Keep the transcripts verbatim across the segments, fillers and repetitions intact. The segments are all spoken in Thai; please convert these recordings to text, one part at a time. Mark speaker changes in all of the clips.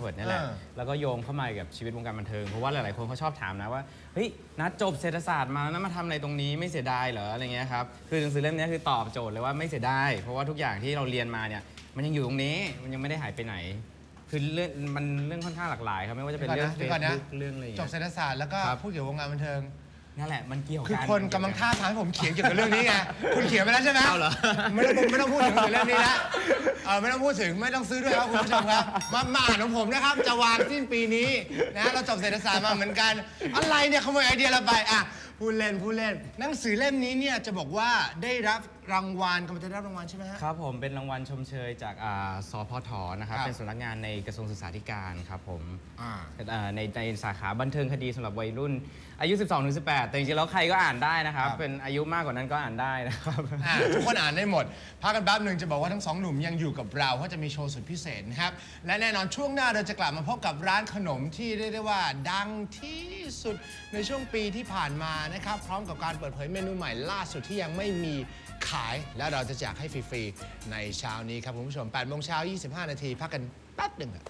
Speaker 1: ร์ตนี่แหละแล้วก็โยงเข้ามากับชีวิตวงการบันเทิงเพราะว่าหลายๆคนเขาชอบถามนะว่าเฮ้ยนัดจบเศรษฐศาสตร์มาแล้วมาทำอะไรตรงนี้ไม่เสียดายเหรออะไรเงี้ยครับคือหนังสือเล่มนี้คือตอบโจทย์เลยว่าไม่เสียดายเพราะว่าทุกอย่างที่เราเรียนมาเนี่ยมันยังอยู่ตรงนี้มันยังไม่ได้หายไปไหนคือเรื่องมันเรื่องค่อนข้างหลากหลายครับไม่ว่าจะเป็นเรื่องเฟซบุ๊กเรื่องอะไรอย่าง
Speaker 2: จ
Speaker 1: เงี้
Speaker 2: บ
Speaker 1: ย
Speaker 2: เศรษฐศาสตร์แล้วก็พูดเกี่ยวกับวงการบันเทิง
Speaker 1: นั่นแหละมันเกี่ยวกัน
Speaker 2: คือคนกำลังท่าทางให้ผมเขียนเกี่ยวกับเรื่องนี้ไงคุณเขียนไปแล้วใช่ไหมเอาเหรอไม่ต้องไม่ต้องพูดถึงเรื่องนี้นะเออไม่ต้องพูดถึงไม่ต้องซื้อด้วยครับคุณผู้ชมครับมามาอ่านของผมนะครับจะวางสิ้นปีนี้นะเราจบเศรษฐศาสตร์มาเหมือนกันอะไรเนี่ยขโมยไอเดียเราไปอ่ะพูดเล่นพูดเล่นหนังสือเล่มนี้เนี่ยจะบอกว่าได้รับรางวัลกำลังจะได้รับรางวัลใช่ไหมฮะ
Speaker 1: ครับผมเป็นรางวัลชมเชยจากสพทนะครับเป็นสำนักงานในกระทรวงศึกษาธิการครับผมในในสาขาบันเทิงคดีสำหรับวัยรุ่นอายุ สิบสองถึงสิบแปด แต่จริงๆแล้วใครก็อ่านได้นะครับเป็นอายุมากกว่านั้นก็อ่านได้นะครับ
Speaker 2: ทุกคนอ่านได้หมดพักกันแป๊บหนึ่งจะบอกว่าทั้งสองหนุ่มยังอยู่กับเราเพราะจะมีโชว์สุดพิเศษนะครับและแน่นอนช่วงหน้าเราจะกลับมาพบกับร้านขนมที่เรียกได้ว่าดังที่สุดในช่วงปีที่ผ่านมานะครับพร้อมกับการเปิดเผยเมนูใหม่ล่าสุดที่ยังไม่มีขายและเราจะแจกให้ฟรีๆในเช้านี้ครับคุณผู้ชมแปดโมงเช้ายี่สิบห้านาทีพักกันแป๊บหนึ่ง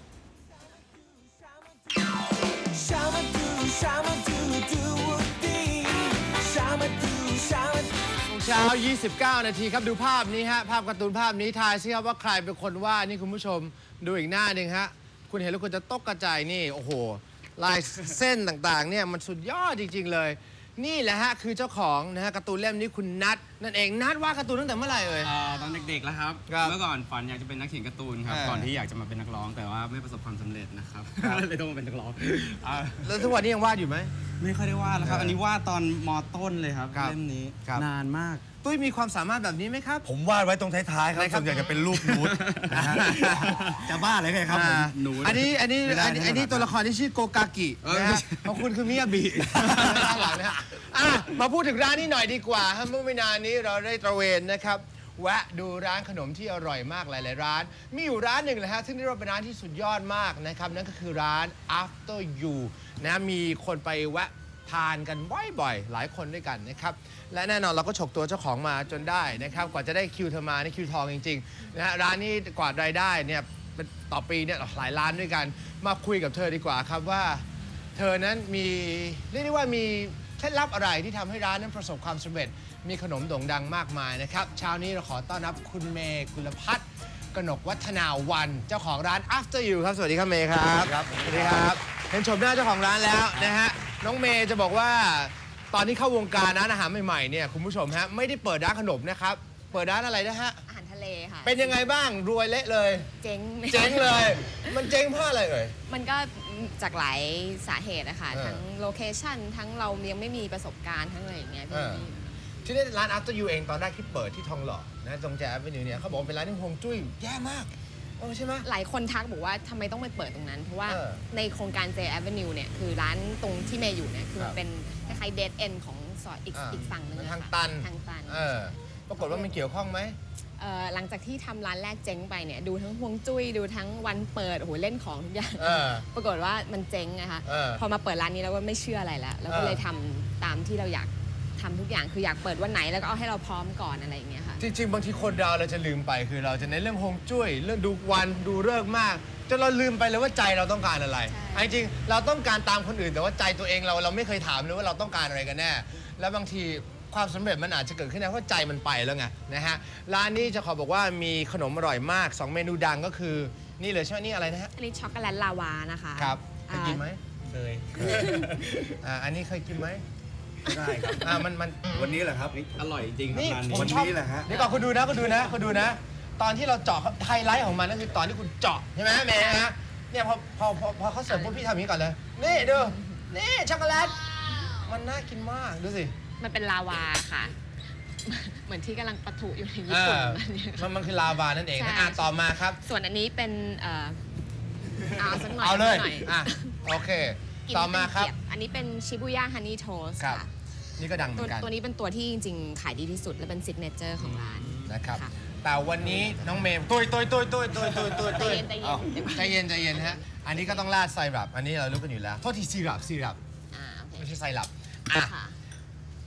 Speaker 2: เช้ายี่สิบเก้านาทีครับดูภาพนี้ฮะภาพการ์ตูนภาพนี้ทายซิครับว่าใครเป็นคนวาดนี่คุณผู้ชมดูอีกหน้าหนึ่งฮะคุณเห็นแล้วคุณจะตกกระจายนี่โอ้โหลายเส้นต่างๆเนี่ยมันสุดยอดจริงๆเลยนี่แหละฮะคือเจ้าของนะฮะการ์ตูนเล่มนี้คุณนัทนั่นเองนัทวาดการ์ตูนตั้งแต่เมื่อไหร่เอ่ย
Speaker 1: ตอนเด็กๆแล้วครับเมื่อก่อนฝันอยากจะเป็นนักเขียนการ์ตูนครับก่อนที่อยากจะมาเป็นนักร้องแต่ว่าไม่ประสบความสำเร็จนะครับเลยต้องมาเป็นนักร้อง
Speaker 2: แล้วทุกวันนี้ยังวาดอยู่ไหม
Speaker 1: ไม่ค่อยได้วาดแล้วครับอันนี้วาดตอนม.ต้นเลยครับเล่มนี้นานมาก
Speaker 2: ตุ้ยมีความสามารถแบบนี้ไหมครับ
Speaker 3: ผมวาดไว้ตรงท้ายๆครับส่วนใหญ่จะเป็นรูปนูดนะฮะจะบ้าอะไรกันครับผม
Speaker 2: นูดอันนี้อันนี้อันนี้ตัวละครที่ชื่อโกกากินะฮะของคุณคือมิยาบิด้านหลังนะฮะมาพูดถึงร้านนี้หน่อยดีกว่าเมื่อไม่นานนี้เราได้ตระเวนนะครับแวะดูร้านขนมที่อร่อยมากหลายๆร้านมีอยู่ร้านหนึ่งเลยฮะซึ่งเรียกว่าเป็นร้านที่สุดยอดมากนะครับนั่นก็คือร้าน After You นะมีคนไปแวะทานกันบ่อยๆหลายคนด้วยกันนะครับและแน่นอนเราก็ฉกตัวเจ้าของมาจนได้นะครับกว่าจะได้คิวเธอมานี่คิวทองจริงๆนะฮะร้านนี้กว่ารายได้เนี่ยต่อปีเนี่ยหลายล้านด้วยกันมาคุยกับเธอดีกว่าครับว่าเธอนั้นมีเรียกได้ว่ามีเคล็ดลับอะไรที่ทำให้ร้านนั้นประสบความสำเร็จมีขนมโด่งดังมากมายนะครับเช้านี้เราขอต้อนรับคุณเมย์กุลพัฒน์กนกวัฒนาวันเจ้าของร้าน After You ครับสวัสดีครับเมย์ครับสวัสดีครับเห็นชมหน้าเจ้าของร้านแล้วนะฮะน้องเมย์จะบอกว่าตอนนี้เข้าวงการร้านอาหารใหม่ๆเนี่ยคุณผู้ชมฮะไม่ได้เปิดร้านขนมนะครับเปิดร้านอะไรนะฮะ
Speaker 4: อาหารทะเลค่ะ
Speaker 2: เป็นยังไงบ้างรวยเละเลย
Speaker 4: เจ๊ง
Speaker 2: เจ๊งเลยมันเจ๊งเพราะอะไรเอ่ย
Speaker 4: มันก็จากหลายสาเหตุนะคะทั้งโลเคชั่นทั้งเรายังไม่มีประสบการณ์ทั้งอะไรอย่างเงี้ย
Speaker 2: ที่นี่ร้าน After You เองตอนแรกที่เปิดที่ทองหล่อนะตรงแจ๊บเป็นอยู่เนี่ยเขาบอกเป็นร้านที่ฮวงจุ้ยแย่มากเออใช่ไหม
Speaker 4: หลายคนทักบอกว่าทำไมต้องไปเปิดตรงนั้นเพราะว่าในโครงการ J Avenue เนี่ยคือร้านตรงที่เมย์อยู่เนี่ยคือเป็นคล้ายๆเดดเอ็นของซอยอีกอีกฝั่งนึง
Speaker 2: ทางตัน
Speaker 4: ทางตัน
Speaker 2: ปรากฏว่ามันเกี่ยวข้องไหม
Speaker 4: หลังจากที่ทำร้านแรกเจ๊งไปเนี่ยดูทั้งฮวงจุ้ยดูทั้งวันเปิดโอ้โหเล่นของทุกอย่างปรากฏว่ามันเจ๊งนะคะพอมาเปิดร้านนี้แล้วก็ไม่เชื่ออะไรแล้วแล้วก็เลยทำตามที่เราอยากทำทุกอย่างคืออยากเปิดวันไหนแล้วก็เอาให้เราพร้อมก่อนอะไรอย่างเงี้ยค่ะ
Speaker 2: จริงๆบางทีคนเราเราจะลืมไปคือเราจะในเรื่องฮวงจุ้ยเรื่องดูวันดูฤกษ์มากจนเราลืมไปเลยว่าใจเราต้องการอะไรจริงๆเราต้องการตามคนอื่นแต่ว่าใจตัวเองเราเราไม่เคยถามเลยว่าเราต้องการอะไรกันแน่แล้วบางทีความสำเร็จมันอาจจะเกิดขึ้นได้เพราะใจมันไปแล้วไงนะฮะร้านนี้จะขอบอกว่ามีขนมอร่อยมากสองเมนูดังก็คือนี่เลยใช่ไหมนี่อะไรนะฮะ
Speaker 4: อันนี้ช็อกโกแลตลาวานะคะ
Speaker 2: ครับเคยกินไหม
Speaker 3: เคย
Speaker 2: อ่าอันนี้เคยกินไหม
Speaker 3: ได้ครับ
Speaker 2: อ่ามันมัน
Speaker 3: วันนี้แหละครับ
Speaker 1: อร่อยจริง
Speaker 2: นี่
Speaker 3: วันนี้แหละฮะ
Speaker 2: เดี๋ยวก่อนคุณดูนะคุณดูนะคุณดูนะตอนที่เราเจาะไฮไลท์ของมันก็คือตอนที่คุณเจาะใช่ไหมแม่ฮะเนี่ยพอพอพอพอเขาเสิร์ฟปุ๊บพี่ทำอย่างนี้ก่อนเลยนี่ดูนี่ช็อกโกแลตมันน่ากินมากดูสิ
Speaker 4: มันเป็นลาวาค่ะเหมือนที่กำลังปะทุอยู่ในญี่ปุ่น
Speaker 2: มันมันคือลาวานั่นเองอ่ะต่อมาครับ
Speaker 4: ส่วนอันนี้เป็นเอ่อเอาสักหน่อย
Speaker 2: เอาเลยอ่ะโอเคต่อมาครับ
Speaker 4: อันนี้เป็นชิบุย่าฮันนี่โทสต์ค่ะ
Speaker 2: นี่ก็ดังเหมือนกัน
Speaker 4: ตัวนี้เป็นตัวที่จริงๆขายดีที่สุดและเป็นซิกเนเจอร์ของร้าน
Speaker 2: นะครับแต่วันนี้น้องเมย์ตุยตุยตุยตุยตุยตุยตุยตุยใจเย็นใจเย็นฮะอันนี้ก็ต้องราดไซรัปอันนี้เรารู้กันอยู่แล้วโทษทีซีรัปซีรัปไม่ใช่ไซรัปอ่ะ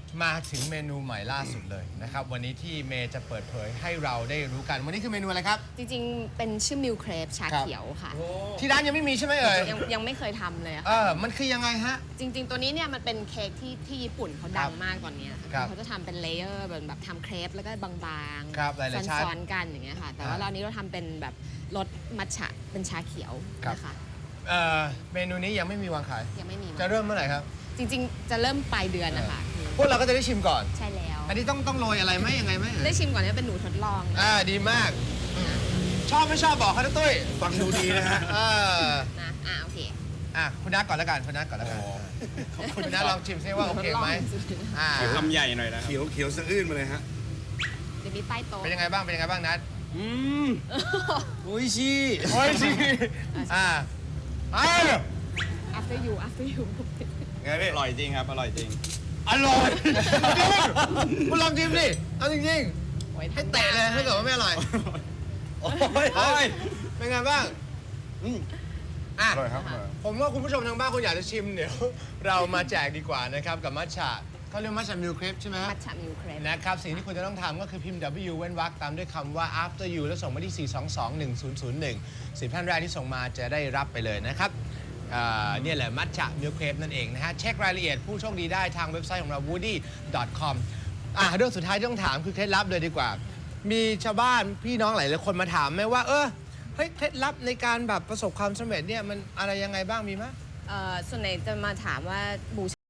Speaker 2: มาถึงเมนูใหม่ล่าสุดเลยนะครับวันนี้ที่เมย์จะเปิดเผยให้เราได้รู้กันวันนี้คือเมนูอะไรครับ
Speaker 4: จริงๆ เป็นชื่อมิลเครปชาเขียวค่ะ
Speaker 2: ที่ร้านยังไม่มีใช่ไหมเอ่ย
Speaker 4: ยังยังไม่เคยทำเลยอะ
Speaker 2: เอ
Speaker 4: ค่ะ
Speaker 2: อมันคือยังไงฮะ
Speaker 4: จริง ๆ ตัวนี้เนี่ยมันเป็นเค้กที่ที่ญี่ปุ่นเขาดังมากตอนเนี้ย
Speaker 2: ครับ
Speaker 4: เขาจะทำเป็นเลเยอร์แบบแบบทำเครปแล้วก็บางๆ
Speaker 2: ครับหลายๆชั้น
Speaker 4: ซ้อนๆกันอย่างเงี้ยค่ะ แต่ว่า
Speaker 2: อ่า
Speaker 4: เรานี้เราทำเป็นแบบรสมัทฉะเป็นชาเขียว
Speaker 2: ครับ
Speaker 4: นะคะ
Speaker 2: เอ่อเมนูนี้ยังไม่มีวางขาย
Speaker 4: ยังไม่มี
Speaker 2: จะเริ่มเมื่อไหร่ครับ
Speaker 4: จริง ๆ จะเริ่มปลายเดือนนะคะคือ
Speaker 2: พวกเราก็จะได้ชิมก่อน
Speaker 4: ใช่แล้ว
Speaker 2: อันนี้ต้องต้องโรยอะไรไหมยังไงไหมเอ่ย
Speaker 4: ได้ชิมก่อนเนี่ยเป็นหนูทดลอง
Speaker 2: อ่าดีมาก ชอบไม่ชอบบอกเขานะตุ้ย
Speaker 3: ฟังดูดีนะฮะ
Speaker 2: เออ
Speaker 4: นะอ่าโอเค
Speaker 2: อ่ะคุณนัทก่อนแล้วกันคุณนัทก่อนแล้วกันคุณนัทลองชิมซิว่าโอเคไหม
Speaker 4: ทดลองสุดๆ
Speaker 2: อ่า
Speaker 1: คำใหญ่หน่อยนะ
Speaker 3: เขียวเขียวสะอื้นมาเลยฮะ
Speaker 4: เดี๋ยวมีใต้โต๊ะ
Speaker 2: เป็นยังไงบ้างเป็นยังไงบ้างนัท
Speaker 1: อืมโอ้ยชี
Speaker 2: โอ้ยสิอ่าอ่า
Speaker 4: after you after you
Speaker 3: ไงพี่
Speaker 1: อร่อยจริงครับ อร่อยจริง
Speaker 2: อร่อยจริงคุณลองชิมดิเอาจริง
Speaker 4: โอ้ย
Speaker 2: ๆให้เตะเลยถ้าเกิดว่าไม่อร่อยโอ้ย
Speaker 1: โอ้ย
Speaker 2: เป็นไงบ้างอ่ะ
Speaker 3: อร่อยครับอร่อย
Speaker 2: ผมว่าคุณผู้ชมทางบ้านคุณอยากจะชิมเดี๋ยว เรามาแจกดีกว่านะครับกับมัทฉะเขาเรียกมัทฉะมิลเครปใช่ไหม
Speaker 4: มัทฉะมิลเครป
Speaker 2: นะครับสิ่งที่คุณจะต้องทำก็คือพิมพ์ W เว้นวรรคตามด้วยคำว่า after you แล้วส่งมาที่ สี่สองสองหนึ่งศูนย์ศูนย์หนึ่ง สิบท่านแรกที่ส่งมาจะได้รับไปเลยนะครับอ่าเนี่ยแหละมัทฉะมิลเครปนั่นเองนะฮะเช็ครายละเอียดผู้โชคดีได้ทางเว็บไซต์ของเรา woody dot com อ่ะเรื่องสุดท้ายที่ต้องถามคือเคล็ดลับเลยดีกว่า มีชาวบ้านพี่น้องหลายๆคนมาถามไหมว่าเออเฮ้ยเคล็ดลับในการแบบประสบความสำเร็จเนี่ยมันอะไรยังไงบ้างมีไหม
Speaker 4: เอ่อส่วนไหนจะมาถามว่าบู